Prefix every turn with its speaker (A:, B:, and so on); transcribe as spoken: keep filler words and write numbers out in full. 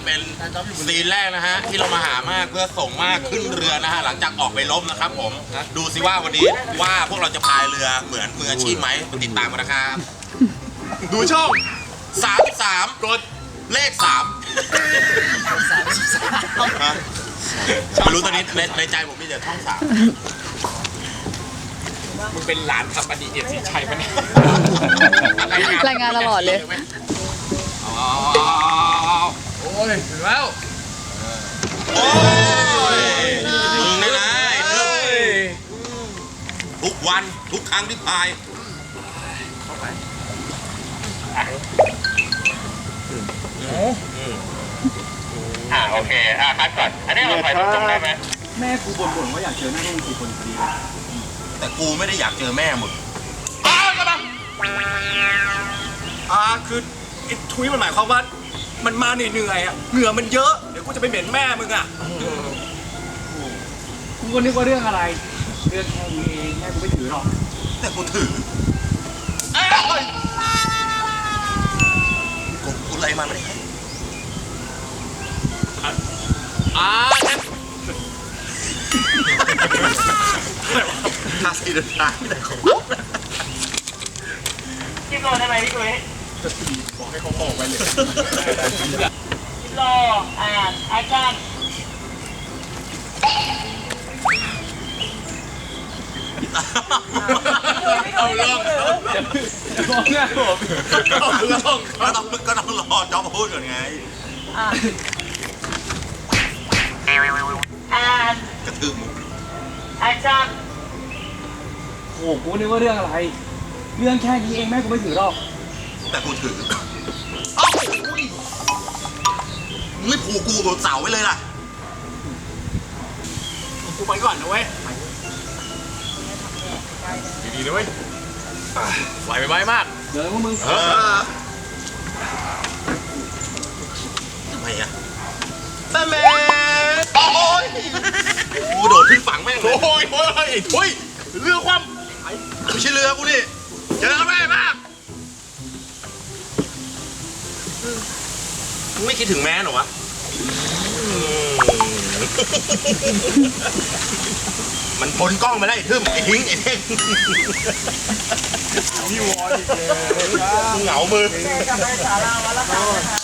A: เป็นซีนแรกนะฮะที่เรามาหามากเพื่อส่งมากขึ้นเรือนะฮะหลังจากออกไปลบนะครับผมดูสิว่าวันนี้ว่าพวกเราจะพายเรือเหมือนมืออาชีพไหมติดตามกันนะครับดูช่องสามสามกดเลขสามไม่รู้ตอนนี้ในในใจผมมีแต่ช่องสาม
B: มึงเป็นหลานทัพอดีเอียดสีชัยปะเนี่ย
C: รายงานตลอดเลย
B: โอ้ยถึงแล้ว
A: โอ้ยมึงนี่นะทุกวันทุกครั้งที่พาย
D: อ่าโอเคอ่าคัดก่อนอันนี้เราถ่ายรูปตรงได้ไหม
E: แม่กูบ่นๆว่าอยากเจอหน้าลูกสี่คนพอดีเลย
A: แต่กูไม่ได้อยากเจอแม่มึง
B: อ้าวกระบังอ่าคือไอ้ทุยมันหมายความว่ามันมาเหนื่อยๆอ่ะเหงื่อมันเยอะเดี๋ยวกูจะไปเหม็นแม่มึงอ่ะ
E: กูก็นึกว่าเรื่องอะไรเรื่องแค่นี้เองแม่กูไม่ถือหรอก
A: แต่กูถือกูกูอะไรมาไม่ได้
B: อ่างั้น
A: ทาสีเดินทางไม่ได้ของ
D: คิดโลได้ไหมพี่กุ้ย
B: บอกให้เขาออกไปเลย
D: คิดโลอ่านอาจารย์
A: เอาลอง
E: มองหน้าผม
A: ก็ต้องก็ต้องก็ต้องรอจ๊อบพูดก่อนไง
D: อ่าน
A: กระทืบมุก
D: อาจารย์
E: โอ้กูนึกว่าเรื่องอะไรเรื่องแค่นี้เองแม่กูไม่ถือหรอก
A: แต่กูถือเอ้ามึงไม่ผูกกูบนเสาไว้เลยล่ะ
B: กูไปก่อนนะเว้ยดีๆนะเว้ยไหวไปไหวมาก
E: เดี๋ยวพวกมึง
A: ทำไมอะแม่แม่โอ้ยกูโดดขึ้นฝั่งแม่งเลย
B: โอ้ยโอ้ยโอ้ยเรือความ
A: ไม่ใช่เรือกูนี่เจอแม่มากมึงไม่คิดถึงแม่หรอวะมันพ้นกล้องไปแล้วไอ้ทึ่มไอ้ทิ้งไอ้เท่ง
B: พี่วอนอีกเลย
A: เหงามือ